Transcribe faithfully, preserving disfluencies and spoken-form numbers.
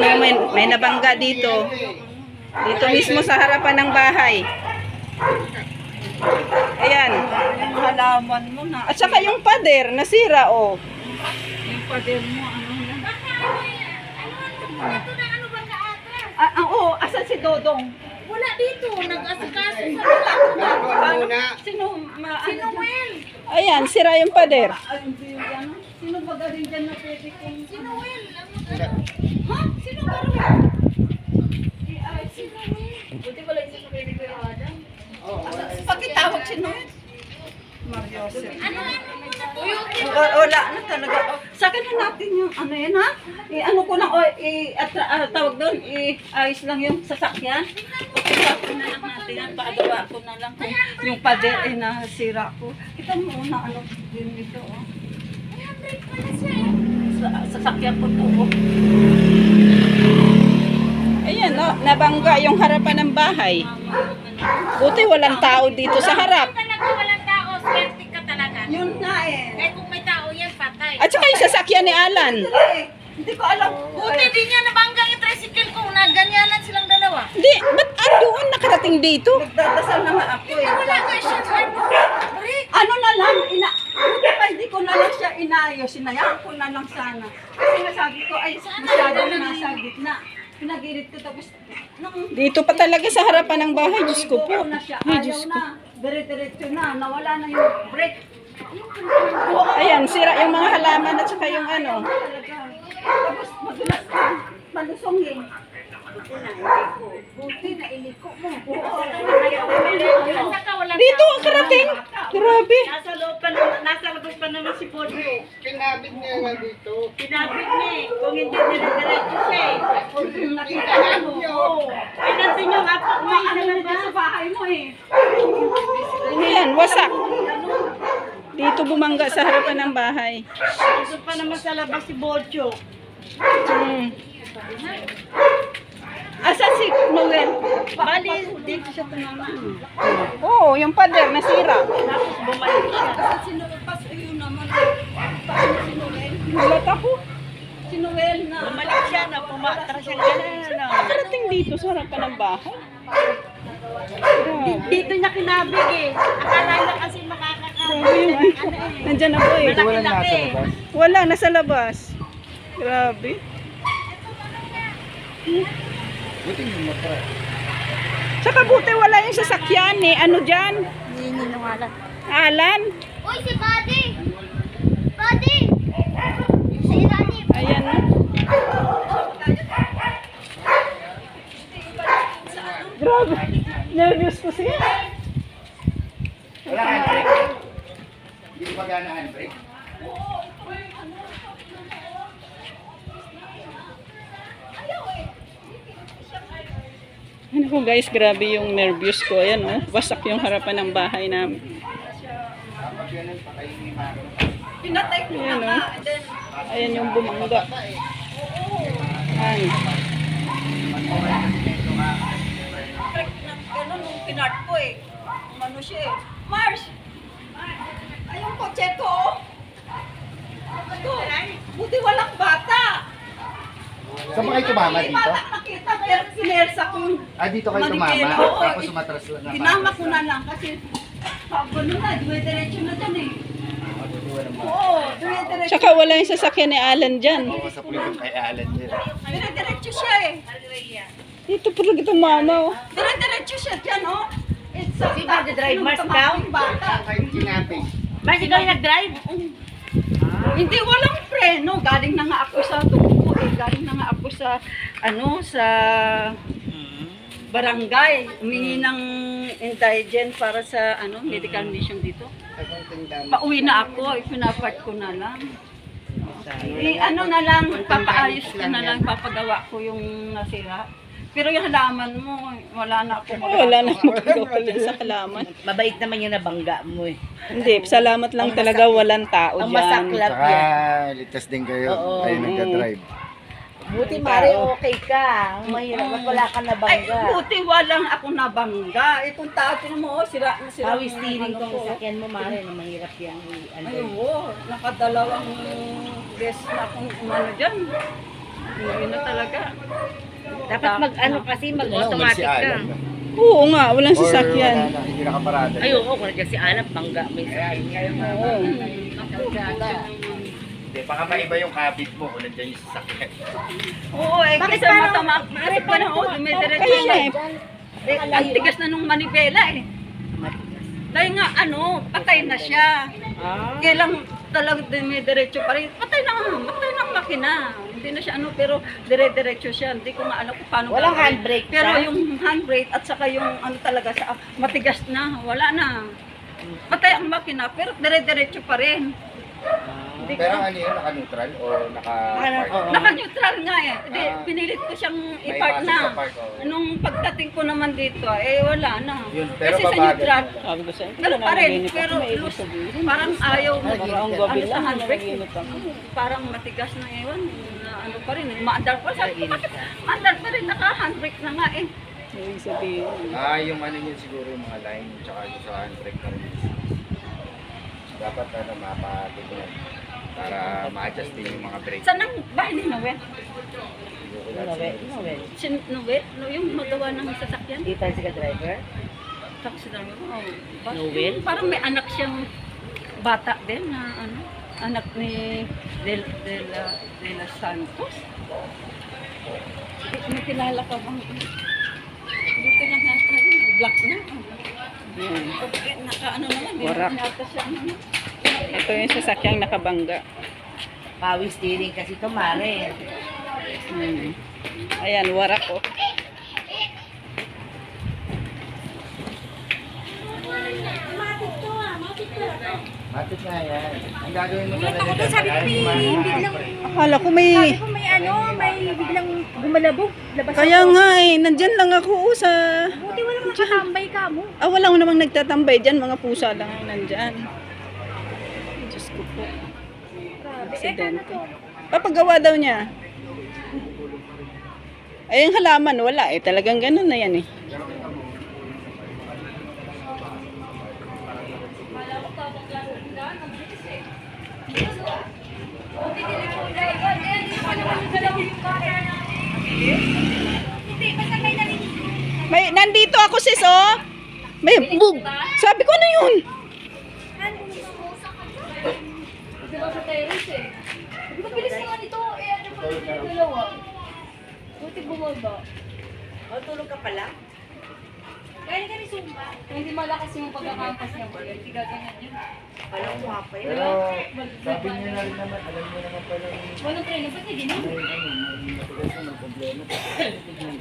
oh, may, may nabangga dito. Dito mismo sa harapan ng bahay. Ayan. Yung halaman mo na. At saka yung pader, nasira, oh. Yung pader mo, ano na. Ah, ah, oh, asan si Dodong? Wala dito, nag-asikaso sa Ano muna? Sino, ma, Sino Will? Ayan, sira yung pader. Ay, hindi yung ano. Sino ba galing dyan na pwede kong... Sino Will? Ha? Sino ba rin? Ay, sino Will? Buti pala isa sa pwede ko yung Adam. Pakitawag si Noel. Mariosep. Ano? Uyukin. O, wala na talaga. O, sa na natin yung ano yan ha? I, ano ko lang, o, i, at, ah, tawag doon, i, ayos lang yung sasakyan. Sasakyan na lang natin yan. Paagawa ko na lang kung yung pader ay nasira ko. Kita mo una, ano din ito, oh. Ayan, break pala siya eh. Sa, sasakyan ko to, oh. Ayan, no, nabangga yung harapan ng bahay. Buti walang tao dito sa harap. Talaga walang tao, swerte ka talaga. Yun na eh. Kaya kung may tao yan, patay. At saka yung sasakyan ni Alan. Eh, hindi ko alam. Buti di niya nabanggang yung tricycle ko na ganyanan silang dalawa. Hindi, ba't ah, doon nakarating dito? Nagdadasal na nga ako eh. Wala nga siya, ano? Break. Ano na lang, ina, buti pa hindi ko na lang siya inayos, sinayaan ko na lang sana. Kasi nasabi ko, ay, masyado na nasa gitna. Pinagirit ko tapos, nung Dito pa talaga sa harapan ng bahay. Diyos ko po. ko na siya, Ay, ayaw Diyos ko. na, dire-diretso na, nawala na yung break. Ayan, sira yung mga halaman at saka yung ano. Talaga. Tapos madulas ka, malusongin. Buti na iliko mo. At saka walang Dito ang karating. Grabe. Nasa loob pa naman, nasa labas pa naman si Podro. Kinabit niya nga dito. Pinabit niya eh. Kung hindi dire-diretso siya eh. Nakita mo. Oo. Ay, nandun yung apo mo eh, sa Ano na labas. sa bahay mo eh. Ayan, wasak. Dito bumangga sa harapan ng bahay. Nandun pa naman sa labas si Bocho. Hmm. Asa si Noel? Bali, dito siya tumama. Oo, oh, yung pader nasira. Tapos bumalik siya. Kasi sinupas, ayun naman. Paano si Noel? Gulat ako. Si Noel na. Bumalik siya na, pumatra siya gano'n. Nakarating dito sa harapan ng bahay. Grabe. Dito niya kinabig eh. Akala niya kasi makakakabig. Grabe yung ano. Nandyan na po eh. Malaki-laki. Wala, nasa labas. Grabe. Buti yung matra. Tsaka buti wala yung sasakyan eh. Ano dyan? Hindi ninungalan. Alan? Uy, si Buddy! Buddy! Sa ilalim. Ayan. Grabe. Nervous ko siya. Wala handbrake. Hindi ko magana handbrake. Ano ko guys, grabe yung nervous ko. Ayan oh, wasak yung harapan ng bahay namin. Kapag yan ang patayin ni Maro. Pinatay ko na Ayan nga. oh. And then, Ayan yung bumangga. Ayan. break na gano'n nung pinart ko eh. Ano siya eh. Mars! Ay, yung kotse ko oh. Ito, buti walang bata. Saan ba kayo tumama Hindi dito? bata nakita, pero sinersa ko yung Ah, dito kayo tumama? Manigelo, oo. Tapos umatras lang na. tinama ko na lang kasi pagano na, duwe-diretso na dyan eh. Walang ba? Oo, duwe-diretso. Tsaka wala yung sasakyan ni Alan dyan. Oo, sa pulis kay Alan din. Dire-diretso siya eh. Dito pa lang itong mama oh. Dire-diretso siya dyan oh. It's a Sino nagdadrive? Mars daw? bata. Kahit kinabit. Mas ikaw yung nag-drive? Hindi, walang preno. Galing na nga ako sa tubo eh. Galing na nga ako sa, ano, sa barangay. Humingi ng indigent para sa, ano, medical mission dito. Pauwi na ako. Ipinapart ko na lang. Eh, ano na lang, papaayos ko na lang, papagawa ko yung nasira. Pero yung halaman mo, wala na ako. Wala na magagawa din sa halaman. Mabait naman yung nabangga mo eh. Hindi, salamat lang talaga walang tao Ang dyan. masaklap Saka yan. ligtas din kayo. Oo. Kayo nagka-drive. Buti Mari, okay ka. Mahirap at wala ka Ay, nabangga. buti walang ako nabangga. Itong tao, tinan mo, oh, sira na sira. Hawi yung steering ano kong ko. sasakyan mo, Mari, na mahirap yan. i- ano. Ay, oo, nakadalawang beses na akong umano dyan. Umuwi na talaga. Dapat mag ano kasi Ano, mag-automatic ka. Alan. Oo nga, walang Or wala sasakyan. na, hindi nakaparada. Ay, oo, kung nandiyan si Alan, bangga may sasakyan. Oo. Hindi, baka maiba yung habit mo kung nandiyan yung sasakyan. Oo, eh, Bakit kasi parang- matamak. Mare, Kasi pa na, parang- oh, dumidiretso Kaya siya nga eh. Eh, ang tigas na nung manibela eh. Dahil nga, ano, patay na siya. Ah. Kailang talagang dumidiretso pa rin. Patay na nga, patay na ang makina. Hindi na siya ano, pero dire-diretso siya. Hindi ko nga alam kung paano. Walang gagawin. handbrake Pero siya? yung handbrake at saka yung ano talaga sa matigas na, wala na. Patay ang makina, pero dire-diretso pa rin. Hindi ko Pero ano yun, naka-neutral o naka-park? Oo. Naka-neutral nga eh. Di, Ah. pinilit ko siyang May i-park pasok na. sa park, oo. Nung pagdating ko naman dito, eh wala na. Yun, pero Kasi sa babagal. neutral, Sabi ko sa'yo, ganun pa rin. Pero loose, parang ayaw mo. Parang Ano gabi sa lang, handbrake, nanaginip ako. parang matigas na ewan. Na ano pa rin, maandar pa. Sabi ko, bakit maandar pa rin, naka-handbrake na nga eh. Ibig sabihin, Ah, yung ano yun siguro yung mga line, tsaka yung sa handbrake na rin. Dapat ano, mapatignan para ma-adjust din yung mga brake. Saan ang bahay ni Noel? Noel, Noel. Si Noel? No, yung magawa ng sasakyan? Di tayo si driver? Taxi driver. Oh, ba- Noel? yung Parang may anak siyang bata din na ano, anak ni Del, Del, De La Santos. May kilala ka bang? Hindi ko lang nasa black na. yun. Okay, naka ano naman, di Warak. naman nata siya ano. Ito yung sasakyang nakabangga. Power steering kasi ito, Mare. Hmm. Ayan, warak oh. Matik nga yan. Ang gagawin mo talaga Ako dyan, sabi ko, kaya may yung mga biglang, Akala ko may... sabi ko may ano, may biglang gumalabog. Labas Kaya ako. nga eh, nandyan lang ako oh, sa... Buti walang nakatambay ka mo. Ah, walang namang nagtatambay dyan, mga pusa lang ang nandyan. Diyos ko po. Grabe. Eh, paano Aksidente. to? Papagawa daw niya. Ay, yung halaman, wala eh. Talagang ganun na yan eh. May, nandito ako sis, oh. May bug. Sabi ko, ano yun? Mabilis naman ito, eh ano pa yung dalawa? Buti bumaba. Oh, tulog ka pala? Kaya ka ni Zumba. Kung hindi malakas yung pagkakampas niya, hindi gaganyan yun. Walang kumapa yun. Pero sabi niyo na rin naman, alam niyo naman pala yung Walang training, ba't hindi na? may ano, may matigas na may problema.